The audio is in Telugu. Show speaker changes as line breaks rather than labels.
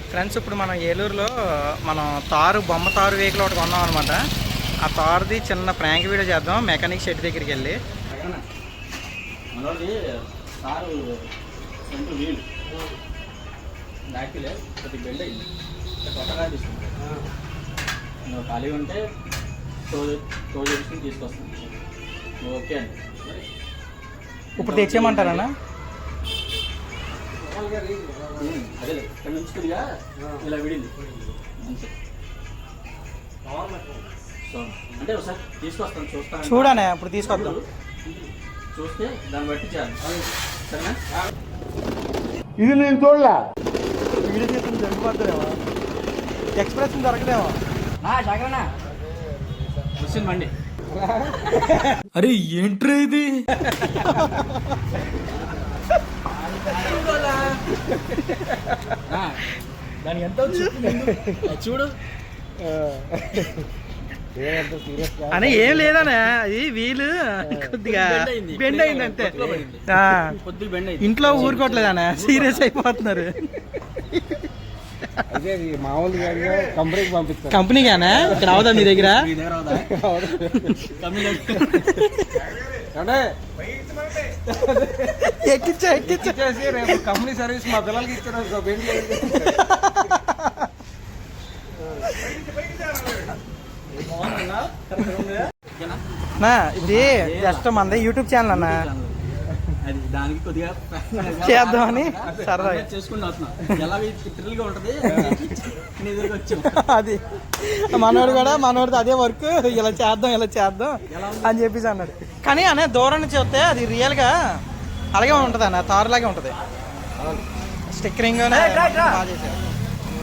ఫ్రెండ్స్ ఇప్పుడు మనం ఏలూరులో మనం బొమ్మ తారు వెహికల్ ఒకటి కొన్నాం అనమాట. ఆ తారుది చిన్న ప్రాంక్ వీడియో చేద్దాం మెకానిక్ షెడ్ దగ్గరికి వెళ్ళి.
మనోడి కారు ఫ్రంట్ వీల్ బ్యాక్లే కొద్దిగా బెండ్ అయింది, కొత్తగా తీసుకుంది. నువ్వు ఖాళీ ఉంటే టో చేసుకుని తీసుకొస్తాను. నువ్వు ఓకే అండి.
ఇప్పుడు తెచ్చేయమంటారా?
అదే ఇక్కడ ఉంచుతుందిగా ఇలా విడింది అంటే ఒకసారి తీసుకొస్తాను, చూస్తాను.
చూడనే ఇప్పుడు తీసుకొద్దాం,
చూస్తే దాన్ని బట్టి చేయాలి. సరేనా?
ఇది నేను చూడలే.
వీడియో చేస్తుంది జరిగిపోతుందేమో, ఎక్స్ప్రెషన్ దొరకదేమో.
వచ్చింది బండి.
అరే ఏంట్రా ఇది?
దానికి ఎంత చూడు
అని ఏం లేదనే, అది వీలు కొద్దిగా బెండ్ అయింది అంతే. ఇంట్లో ఊరుకోవట్లేదనే, సీరియస్ అయిపోతున్నారు.
కంపెనీకి పంపిస్తాను.
కంపెనీగానే ఇక్కడ అవదా మీ దగ్గర?
ఎక్కిచ్చేసి రేపు కంపెనీ సర్వీస్ మా పిల్లలకి ఇచ్చారు.
ఇది జస్ట్ మనది యూట్యూబ్ ఛానల్ అన్న,
అది దానికి కొద్దిగా
చేద్దామని సరదా
చేసుకుంటూ వస్తున్నా. ఎలా థ్రిల్గా ఉంటుంది
అది. మనోడిది అదే వర్క్, ఇలా చేద్దాం అని చెప్పేసి అన్నాడు. కానీ అనే దూరం నుంచి చూస్తే అది రియల్గా అలాగే ఉంటుంది అన్న, తారులాగే ఉంటుంది. స్టిక్కరింగ్ బాగా చేశారు.